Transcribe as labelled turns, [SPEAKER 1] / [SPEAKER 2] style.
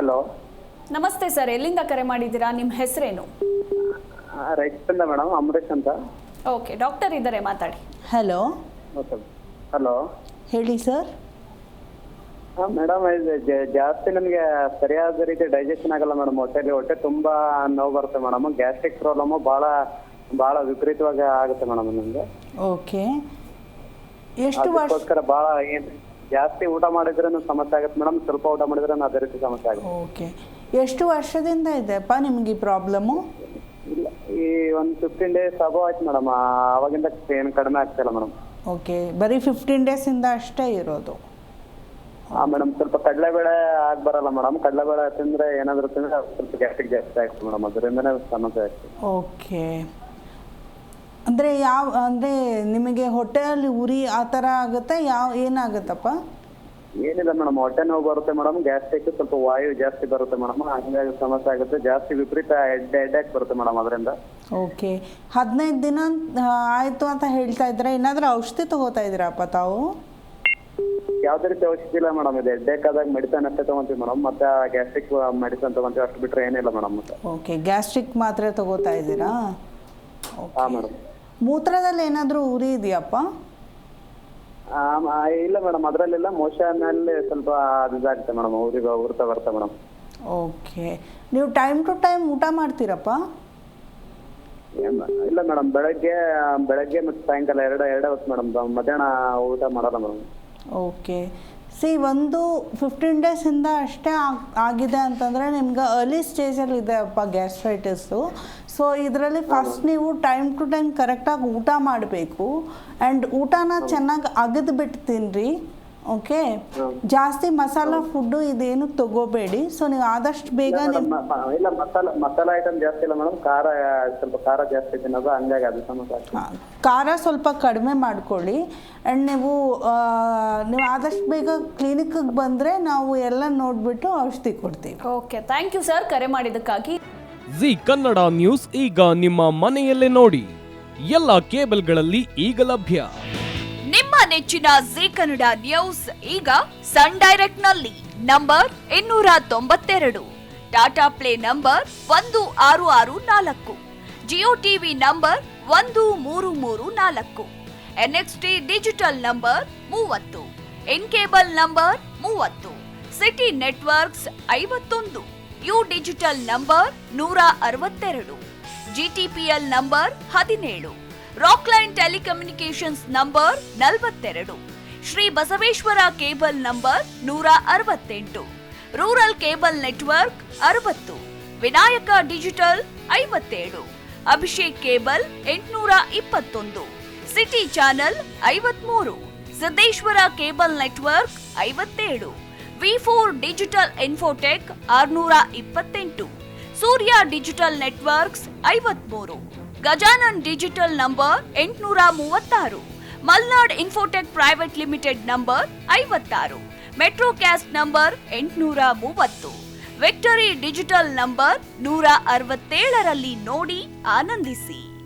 [SPEAKER 1] Hello.
[SPEAKER 2] ನಮಸ್ತೆ sir, ಎಲ್ಲಿಂದ ಕರೆ ಮಾಡಿದ್ದೀರಾ? ನಿಮ್ಮ ಹೆಸರೇನು?
[SPEAKER 1] ರೈತರಿಂದ ಮೇಡಮ್, ಅಮರೇಶ್ ಅಂತ.
[SPEAKER 2] ಓಕೆ, ಡಾಕ್ಟರ್ ಇದ್ದಾರೆ, ಮಾತಾಡಿ.
[SPEAKER 3] ಹಲೋ.
[SPEAKER 1] ಓಕೆ. ಹಲೋ,
[SPEAKER 3] ಹೇಳಿ ಸರ್.
[SPEAKER 1] ಹಾಂ ಮೇಡಮ್, ಜಾಸ್ತಿ ನನಗೆ ಸರಿಯಾದ ರೀತಿ ಡೈಜೆಷನ್ ಆಗಲ್ಲ ಮೇಡಮ್. ಹೊಟ್ಟೆ ತುಂಬಾ ನೋವು ಬರುತ್ತೆ ಮೇಡಮ್. ಗ್ಯಾಸ್ಟ್ರಿಕ್ ಪ್ರಾಬ್ಲಮ್ಮು ಭಾಳ ವಿಪರೀತವಾಗಿ ಆಗುತ್ತೆ ಮೇಡಮ್ ನನಗೆ.
[SPEAKER 3] ಓಕೆ, ಎಷ್ಟು ವರ್ಷ?
[SPEAKER 1] ಅದಕ್ಕೋಸ್ಕರ ಭಾಳ ಜಾಸ್ತಿ ಊಟ ಮಾಡಿದ್ರೂ ಸಮಸ್ಯೆ ಆಗುತ್ತೆ ಮೇಡಮ್, ಸ್ವಲ್ಪ ಊಟ ಮಾಡಿದ್ರೆ ಅದೇ ರೀತಿ ಸಮಸ್ಯೆ ಆಗುತ್ತೆ.
[SPEAKER 3] ಓಕೆ, ಎಷ್ಟು ವರ್ಷದಿಂದ ಇದೆಯಪ್ಪ ನಿಮಗೆ ಈ ಪ್ರಾಬ್ಲಮ್ಮು?
[SPEAKER 1] ಇಲ್ಲ, ಈ ಒಂದು 15 ಡೇಸ್ ಅಬೋ ಆಯ್ತು ಮೇಡಮ್. ಆವಾಗಿಂದ ಏನು ಕಡಿಮೆ ಆಗ್ತಿಲ್ಲ ಮೇಡಮ್.
[SPEAKER 3] ಓಕೆ, ಬರೀ 15 ಡೇಸಿಂದ ಅಷ್ಟೇ ಇರೋದು?
[SPEAKER 1] ಹಾಂ ಮೇಡಮ್, ಸ್ವಲ್ಪ ಕಡಲೆಬೇಳೆ ಆಗಿ ಬರಲ್ಲ ಮೇಡಮ್. ಕಡಲೆಬೇಳೆ ತಿಂದರೆ ಏನಾದರೂ ತಿಂದರೆ ಸ್ವಲ್ಪ ಗ್ಯಾಸ್ಟ್ರಿಕ್ ಜಾಸ್ತಿ ಆಗ್ತದೆ ಮೇಡಮ್, ಅದರಿಂದನೇ ಸಮಸ್ಯೆ ಆಗ್ತದೆ.
[SPEAKER 3] ಓಕೆ, ಅಂದರೆ ನಿಮಗೆ ಹೊಟ್ಟೆಯಲ್ಲಿ ಉರಿ ಆ ಥರ ಆಗುತ್ತೆ? ಏನಾಗುತ್ತಪ್ಪ?
[SPEAKER 1] ಏನಿಲ್ಲ ಮೇಡಮ್, ಹೊಟ್ಟೆ ನೋವು ಬರುತ್ತೆ ಮೇಡಮ್. ಗ್ಯಾಸ್ಟ್ರಿಕ್ ಸ್ವಲ್ಪ ವಾಯು ಜಾಸ್ತಿ ಬರುತ್ತೆ ಮೇಡಮ್, ಹಂಗಾಗಿ ಸಮಸ್ಯೆ ಆಗುತ್ತೆ. ಜಾಸ್ತಿ ವಿಪರೀತ ಹೆಡ್ಡೇಕ್ ಬರುತ್ತೆ ಮೇಡಮ್ ಅದರಿಂದ.
[SPEAKER 3] ಓಕೆ, 15 ದಿನ ಆಯಿತು ಅಂತ ಹೇಳ್ತಾ ಇದ್ರೆ, ಏನಾದರೂ ಔಷಧಿ ತಗೋತಾ ಇದ್ದೀರಪ್ಪ ತಾವು?
[SPEAKER 1] ಯಾವುದೇ ರೀತಿ ಔಷಧಿ ಇಲ್ಲ ಮೇಡಮ್. ಇದು ಹೆಡ್ಡೇಕ್ ಆದಾಗ ಮೆಡಿಸನ್ ಅಷ್ಟೇ ತೊಗೊಂತೀವಿ ಮೇಡಮ್. ಮತ್ತೆ ಗ್ಯಾಸ್ಟ್ರಿಕ್ ಮೆಡಿಸನ್ ತೊಗೊಂತೀವಿ, ಅಷ್ಟು ಬಿಟ್ಟರೆ ಏನಿಲ್ಲ ಮೇಡಮ್. ಮತ್ತೆ
[SPEAKER 3] ಓಕೆ, ಗ್ಯಾಸ್ಟ್ರಿಕ್ ಮಾತ್ರೆ ತಗೋತಾ ಇದ್ದೀರಾ?
[SPEAKER 1] ಹಾಂ ಮೇಡಮ್.
[SPEAKER 3] ಮೂತ್ರದಲ್ಲಿ ಏನಾದರೂ ಉರಿ ಇದೆಯಪ್ಪ?
[SPEAKER 1] ಇಲ್ಲ ಮೇಡಮ್, ಅದರಲ್ಲೆಲ್ಲ ಮೋಷನಲ್ಲಿ ಸ್ವಲ್ಪ ಇದಾಗುತ್ತೆ ಮೇಡಮ್, ಉರ್ತಾ ಬರುತ್ತೆ ಮೇಡಮ್.
[SPEAKER 3] ಓಕೆ, ನೀವು ಟೈಮ್ ಟು ಟೈಮ್ ಊಟ ಮಾಡ್ತೀರಪ್ಪ?
[SPEAKER 1] ಇಲ್ಲ ಮೇಡಮ್, ಬೆಳಗ್ಗೆ ಮತ್ತು ಸಾಯಂಕಾಲ ಎರಡೇ ಹೊತ್ತು ಮೇಡಮ್. ಮಧ್ಯಾಹ್ನ ಊಟ ಮಾಡಲ್ಲ ಮೇಡಮ್.
[SPEAKER 3] ಓಕೆ, ಒಂದು 15 ಡೇಸಿಂದ ಅಷ್ಟೇ ಆಗಿದೆ ಅಂತಂದರೆ ನಿಮ್ಗೆ ಅರ್ಲಿ ಸ್ಟೇಜಲ್ಲಿ ಇದೆ ಅಪ್ಪ ಗ್ಯಾಸ್ಟ್ರೈಟಿಸು. ಸೊ ಇದರಲ್ಲಿ ಫಸ್ಟ್ ನೀವು ಟೈಮ್ ಟು ಟೈಮ್ ಕರೆಕ್ಟಾಗಿ ಊಟ ಮಾಡಬೇಕು. ಆ್ಯಂಡ್ ಊಟನ ಚೆನ್ನಾಗಿ ಅಗದು ಬಿಟ್ಟು ತಿನ್ನಿರಿ. ಓಕೆ, ಜಾಸ್ತಿ ಮಸಾಲ ಫುಡ್ಡು ಇದೇನು ತಗೋಬೇಡಿ. ಸೊ ನೀವು ಆದಷ್ಟು ಬೇಗ
[SPEAKER 1] ಇಲ್ಲ, ಮಸಾಲ ಐಟಮ್ ಜಾಸ್ತಿ ಇಲ್ಲ ಮೇಡಮ್. ಸ್ವಲ್ಪ ಖಾರ ಜಾಸ್ತಿ ತಿನ್ನೋದು, ಹಂಗಾಗಿ ಅದು ಸಮಸ್ಯೆ.
[SPEAKER 3] ಖಾರ ಸ್ವಲ್ಪ ಕಡಿಮೆ ಮಾಡ್ಕೊಳ್ಳಿ. ಆ್ಯಂಡ್ ನೀವು ಆದಷ್ಟು ಬೇಗ ಕ್ಲಿನಿಕ್ಗೆ ಬಂದರೆ ನಾವು ಎಲ್ಲ ನೋಡಿಬಿಟ್ಟು ಔಷಧಿ ಕೊಡ್ತೀವಿ.
[SPEAKER 2] ಓಕೆ, ಥ್ಯಾಂಕ್ ಯು ಸರ್, ಕರೆ ಮಾಡಿದ್ದಕ್ಕಾಗಿ.
[SPEAKER 4] ಜಿ ಕನ್ನಡ ನ್ಯೂಸ್ ಈಗ ನಿಮ್ಮ ಮನೆಯಲ್ಲೇ ನೋಡಿ. ಎಲ್ಲ ಕೇಬಲ್ಗಳಲ್ಲಿ ಈಗ ಲಭ್ಯ.
[SPEAKER 5] ನಿಮ್ಮ ನೆಚ್ಚಿನ ಜಿ ಕನ್ನಡ ನ್ಯೂಸ್ ಈಗ ಸನ್ ಡೈರೆಕ್ಟ್ ನಲ್ಲಿ number 292, Tata Play number 1664, Jio TV number 1334, NXT digital number 30, in cable number 30, City Networks 51, U digital number 162, GTPL number 17, Rockline telecommunications number 42, Shri Basaveshwara cable number 168, rural cable network 60, Vinayaka digital 57, Abhishek cable 821, city channel 53, Siddeshwara cable network 57, ವಿ4 digital infotech 628, Surya digital networks 53, Gajanan digital number 836, Malnad infotech private limited number 56, Metrocast number 830, Victory digital number 167ರಲ್ಲಿ ನೋಡಿ ಆನಂದಿಸಿ.